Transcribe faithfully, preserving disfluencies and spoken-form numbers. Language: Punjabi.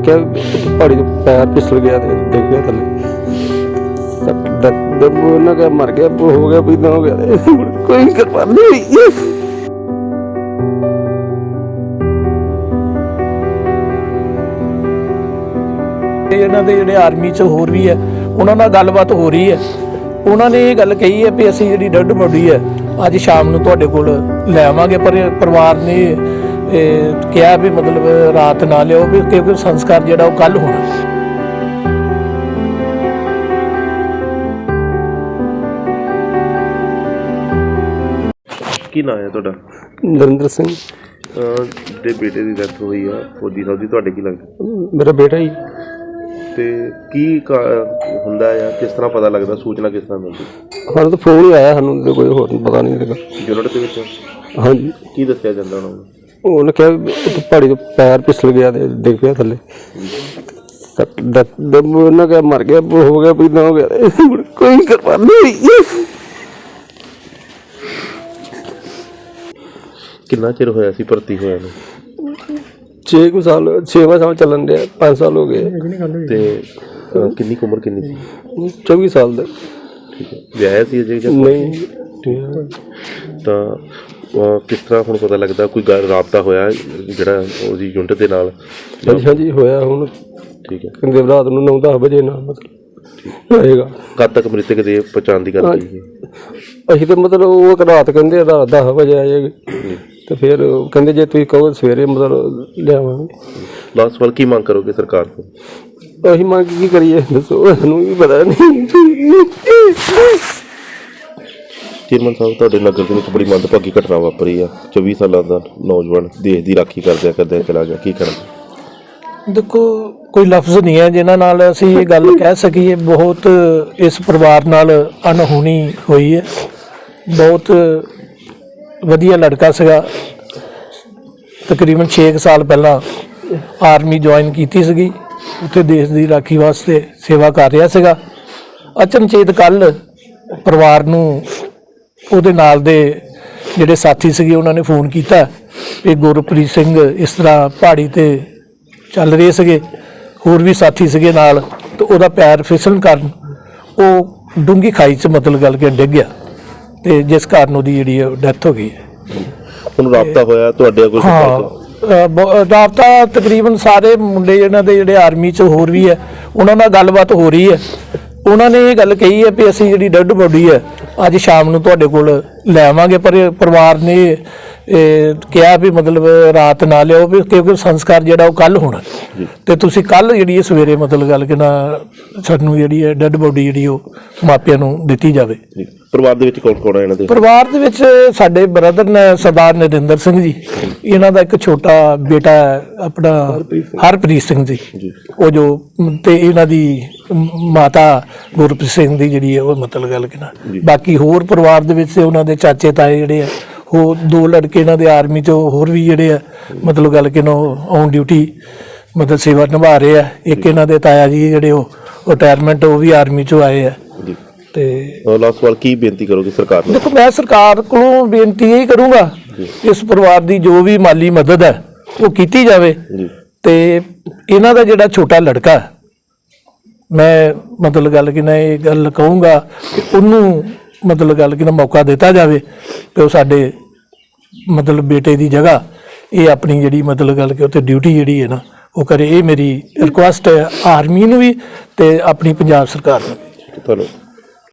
क्या पहाड़ी तो पैर फिसल गया डिग गया थले उन्हें क्या मर गया हो गया भी ना हो गया कोई कृपा नहीं हुई। ਇਹਨਾਂ ਦੇ ਜਿਹੜੇ ਆਰਮੀ 'ਚ ਹੋਰ ਵੀ ਹੈ ਉਹਨਾਂ ਨਾਲ ਗੱਲਬਾਤ ਹੋ ਰਹੀ ਹੈ। ਉਹਨਾਂ ਨੇ ਇਹ ਗੱਲ ਕਹੀ ਹੈ ਵੀ ਅਸੀਂ ਜਿਹੜੀ ਡੈਡ ਬੋਡੀ ਹੈ ਅੱਜ ਸ਼ਾਮ ਨੂੰ ਤੁਹਾਡੇ ਕੋਲ ਲੈ ਆਵਾਂਗੇ, ਪਰ ਪਰਿਵਾਰ ਨੇ ਕਿਹਾ ਵੀ ਮਤਲਬ ਰਾਤ ਨਾ ਲਿਓ ਵੀ ਕਿਉਂਕਿ ਸੰਸਕਾਰ ਜਿਹੜਾ ਉਹ ਕੱਲ੍ਹ ਹੋਣਾ। ਕੀ ਨਾਂ ਹੈ ਤੁਹਾਡਾ? ਨਰਿੰਦਰ ਸਿੰਘ। ਦੇ ਬੇਟੇ ਦੀ ਡੈਥ ਹੋਈ ਆ ਫੌਜੀ ਸਾਹਿਬ ਦੀ, ਤੁਹਾਡੇ ਕੀ ਲੱਗਦਾ? ਮੇਰਾ ਬੇਟਾ ਹੀ। ਤੇ ਕੀ ਹੁੰਦਾ ਆ, ਕਿਸ ਤਰ੍ਹਾਂ ਪਤਾ ਲੱਗਦਾ, ਸੂਚਨਾ ਕਿਸ ਤਰ੍ਹਾਂ ਮਿਲਦੀ? ਸਾਨੂੰ ਤਾਂ ਫੋਨ ਹੀ ਆਇਆ, ਸਾਨੂੰ ਕੋਈ ਹੋਰ ਪਤਾ ਨਹੀਂ ਲੱਗਾ। ਯੂਨਿਟ ਦੇ ਵਿੱਚ? ਹਾਂਜੀ। ਕੀ ਦੱਸਿਆ ਜਾਂਦਾ ਉਹਨਾਂ ਨੂੰ? ਉਹਨੇ ਕਿਹਾ ਪਹਾੜੀ ਤੋਂ ਪੈਰ ਫਿਸਲ ਗਿਆ ਤੇ ਡਿੱਗ ਪਿਆ ਥੱਲੇ ਉਹਨਾਂ ਕਿਹਾ ਮਰ ਗਿਆ ਹੋ ਗਿਆ ਵੀ ਨਾ ਹੋ ਗਿਆ ਕੋਈ ਕਿਰਪਾ ਨਹੀਂ ਹੋਈ। ਕਿੰਨਾ ਚਿਰ ਹੋਇਆ ਸੀ ਭਰਤੀ ਹੋਇਆ ਨੂੰ? ਛੇ ਕੁ ਸਾਲ ਛੇਵਾਂ ਸਾਲ ਚੱਲਣ ਡਿਆ, ਪੰਜ ਸਾਲ ਹੋ ਗਏ। ਤੇ ਕਿੰਨੀ ਕੁ ਉਮਰ ਕਿੰਨੀ ਸੀ? ਚੌਵੀ ਸਾਲ ਦਾ। ਠੀਕ ਹੈ। ਵਿਆਹਿਆ ਸੀ ਅਜੇ ਜਾਂ ਨਹੀਂ? ਤਾਂ ਕਿਸ ਤਰ੍ਹਾਂ ਹੁਣ ਪਤਾ ਲੱਗਦਾ ਕੋਈ ਗੱਲ ਰਾਬਤਾ ਹੋਇਆ ਜਿਹੜਾ ਉਹਦੀ ਯੂਨਿਟ ਦੇ ਨਾਲ? ਹਾਂਜੀ ਹਾਂਜੀ ਹੋਇਆ ਹੁਣ। ਠੀਕ ਹੈ। ਕਹਿੰਦੇ ਰਾਤ ਨੂੰ ਨੌ ਦਸ ਵਜੇ ਨਾਲ ਮਤਲਬ ਹੋਏਗਾ। ਕਦ ਤੱਕ ਮ੍ਰਿਤਕ ਦੇ ਪਛਾਣ ਦੀ ਗੱਲ ਕਰੀਏ? ਅਸੀਂ ਤਾਂ ਮਤਲਬ ਉਹ ਰਾਤ ਕਹਿੰਦੇ ਰਾਤ ਦਸ ਵਜੇ ਆ ਜਾਏਗੀ ਤੇ ਫਿਰ ਕਹਿੰਦੇ ਜੇ ਤੁਸੀਂ ਕਹੋ ਸਵੇਰੇ ਮਤਲਬ ਲਿਆਵਾਂਗੇ। ਲਾਸਟ ਵਾਰ ਕੀ ਮੰਗ ਕਰੋਗੇ ਸਰਕਾਰ ਤੋਂ? ਅਸੀਂ ਮੰਗ ਕੀ ਕਰੀਏ ਦੱਸੋ, ਸਾਨੂੰ ਵੀ ਪਤਾ ਨਹੀਂ। ਚੇਅਰਮੈਨ ਸਾਹਿਬ, ਤੁਹਾਡੇ ਨਗਰ ਦੇ ਵਿੱਚ ਬੜੀ ਮੰਦਭਾਗੀ ਘਟਨਾ ਵਾਪਰੀ ਆ। ਚੌਵੀ ਸਾਲਾਂ ਦਾ ਨੌਜਵਾਨ ਦੇਸ਼ ਦੀ ਰਾਖੀ ਕਰਦਿਆਂ ਕਰਦਿਆਂ ਚਲਾ ਗਿਆ, ਕੀ ਕਰਨਾ? ਦੇਖੋ ਕੋਈ ਲਫ਼ਜ਼ ਨਹੀਂ ਹੈ ਜਿਨ੍ਹਾਂ ਨਾਲ ਅਸੀਂ ਇਹ ਗੱਲ ਕਹਿ ਸਕੀਏ। ਬਹੁਤ ਇਸ ਪਰਿਵਾਰ ਨਾਲ ਅਣਹੋਣੀ ਹੋਈ ਹੈ। ਬਹੁਤ ਵਧੀਆ ਲੜਕਾ ਸੀਗਾ, ਤਕਰੀਬਨ ਛੇ ਕੁ ਸਾਲ ਪਹਿਲਾਂ ਆਰਮੀ ਜੁਆਇਨ ਕੀਤੀ ਸੀਗੀ, ਉੱਥੇ ਦੇਸ਼ ਦੀ ਰਾਖੀ ਵਾਸਤੇ ਸੇਵਾ ਕਰ ਰਿਹਾ ਸੀਗਾ। ਅਚਨਚੇਤ ਕੱਲ੍ਹ ਪਰਿਵਾਰ ਨੂੰ ਉਹਦੇ ਨਾਲ ਦੇ ਜਿਹੜੇ ਸਾਥੀ ਸੀਗੇ ਉਹਨਾਂ ਨੇ ਫੋਨ ਕੀਤਾ ਕਿ ਗੁਰਪ੍ਰੀਤ ਸਿੰਘ ਇਸ ਤਰ੍ਹਾਂ ਪਹਾੜੀ 'ਤੇ ਚੱਲ ਰਹੇ ਸੀਗੇ, ਹੋਰ ਵੀ ਸਾਥੀ ਸੀਗੇ ਨਾਲ, ਤੇ ਉਹਦਾ ਪੈਰ ਫਿਸਲਣ ਕਾਰਨ ਉਹ ਡੂੰਘੀ ਖਾਈ 'ਚ ਮਤਲਬ ਗੱਲ ਕੇ ਡਿੱਗ ਗਿਆ ਤੇ ਜਿਸ ਕਾਰਨ ਉਹਦੀ ਜਿਹੜੀ ਡੈਥ ਹੋ ਗਈ ਹੈ। ਹੁਣ ਰਾਬਤਾ ਹੋਇਆ ਤੁਹਾਡੇ ਕੋਲ? ਹਾਂ, ਰਾਬਤਾ ਤਕਰੀਬਨ ਸਾਰੇ ਮੁੰਡੇ ਇਹਨਾਂ ਦੇ ਜਿਹੜੇ ਆਰਮੀ 'ਚ ਹੋਰ ਵੀ ਹੈ ਉਹਨਾਂ ਨਾਲ ਗੱਲਬਾਤ ਹੋ ਰਹੀ ਹੈ। ਉਹਨਾਂ ਨੇ ਇਹ ਗੱਲ ਕਹੀ ਹੈ ਵੀ ਅਸੀਂ ਜਿਹੜੀ ਡੈਡ ਬੋਡੀ ਹੈ ਅੱਜ ਸ਼ਾਮ ਨੂੰ ਤੁਹਾਡੇ ਕੋਲ ਲੈ ਆਵਾਂਗੇ, ਪਰ ਪਰਿਵਾਰ ਨੇ ਕਿਹਾ ਵੀ ਮਤਲਬ ਰਾਤ ਨਾ ਲਿਓ ਵੀ ਕਿਉਂਕਿ ਸੰਸਕਾਰ ਜਿਹੜਾ ਉਹ ਕੱਲ੍ਹ ਹੋਣਾ ਤੇ ਤੁਸੀਂ ਕੱਲ੍ਹ ਜਿਹੜੀ ਸਵੇਰੇ ਮਤਲਬ ਗੱਲ ਕਿ ਨਾ ਸਾਨੂੰ ਜਿਹੜੀ ਹੈ ਡੈਡ ਬੋਡੀ ਜਿਹੜੀ ਉਹ ਮਾਪਿਆਂ ਨੂੰ ਦਿੱਤੀ ਜਾਵੇ। ਪਰਿਵਾਰ ਦੇ ਵਿੱਚ ਕੌਣ ਕੌਣ ਹੈ ਇਹਨਾਂ ਦੇ? ਪਰਿਵਾਰ ਦੇ ਵਿੱਚ ਸਾਡੇ ਬ੍ਰਦਰ ਨੇ ਸਰਦਾਰ ਨਰਿੰਦਰ ਸਿੰਘ ਜੀ, ਇਹਨਾਂ ਦਾ ਇੱਕ ਛੋਟਾ ਬੇਟਾ ਆਪਣਾ ਹਰਪ੍ਰੀਤ ਸਿੰਘ ਜੀ, ਉਹ ਜੋ ਤੇ ਇਹਨਾਂ ਦੀ ਮਾਤਾ ਗੁਰਪ੍ਰੀਤ ਸਿੰਘ ਦੀ ਜਿਹੜੀ ਹੈ ਉਹ ਮਤਲਬ ਗੱਲ ਕਿ ਨਾ। ਬਾਕੀ ਹੋਰ ਪਰਿਵਾਰ ਦੇ ਵਿੱਚ ਉਹਨਾਂ ਦੇ ਚਾਚੇ ਤਾਏ ਜਿਹੜੇ ਆ ਉਹ ਦੋ ਲੜਕੇ ਇਹਨਾਂ ਦੇ ਆਰਮੀ 'ਚ ਹੋਰ ਵੀ ਜਿਹੜੇ ਆ ਮਤਲਬ ਗੱਲ ਕਿ ਨਾ ਔਨ ਡਿਊਟੀ ਮਤਲਬ ਸੇਵਾ ਨਿਭਾ ਰਹੇ ਆ। ਇੱਕ ਇਹਨਾਂ ਦੇ ਤਾਇਆ ਜੀ ਜਿਹੜੇ ਉਹ ਰਿਟਾਇਰਮੈਂਟ ਉਹ ਵੀ ਆਰਮੀ 'ਚੋਂ ਆਏ ਆ। ਤੇ ਲਾਸਟ ਸਵਾਲ, ਕੀ ਬੇਨਤੀ ਕਰੋਗੇ ਸਰਕਾਰ ਨੂੰ? ਦੇਖੋ ਮੈਂ ਸਰਕਾਰ ਕੋਲੋਂ ਬੇਨਤੀ ਇਹ ਕਰੂੰਗਾ ਇਸ ਪਰਿਵਾਰ ਦੀ ਜੋ ਵੀ ਮਾਲੀ ਮਦਦ ਹੈ ਉਹ ਕੀਤੀ ਜਾਵੇ ਤੇ ਇਹਨਾਂ ਦਾ ਜਿਹੜਾ ਛੋਟਾ ਲੜਕਾ ਮੈਂ ਮਤਲਬ ਗੱਲ ਕਿ ਨਾ ਇਹ ਗੱਲ ਕਹੂੰਗਾ ਕਿ ਉਹਨੂੰ ਮਤਲਬ ਗੱਲ ਕਿ ਨਾ ਮੌਕਾ ਦਿੱਤਾ ਜਾਵੇ ਕਿ ਉਹ ਸਾਡੇ ਮਤਲਬ ਬੇਟੇ ਦੀ ਜਗ੍ਹਾ ਇਹ ਆਪਣੀ ਜਿਹੜੀ ਮਤਲਬ ਗੱਲ ਕਿ ਉੱਥੇ ਡਿਊਟੀ ਜਿਹੜੀ ਹੈ ਨਾ ਉਹ ਕਰੇ। ਇਹ ਮੇਰੀ ਰਿਕੁਐਸਟ ਹੈ ਆਰਮੀ ਨੂੰ ਵੀ ਤੇ ਆਪਣੀ ਪੰਜਾਬ ਸਰਕਾਰ ਨੂੰ ਵੀ। ਤੁਹਾਨੂੰ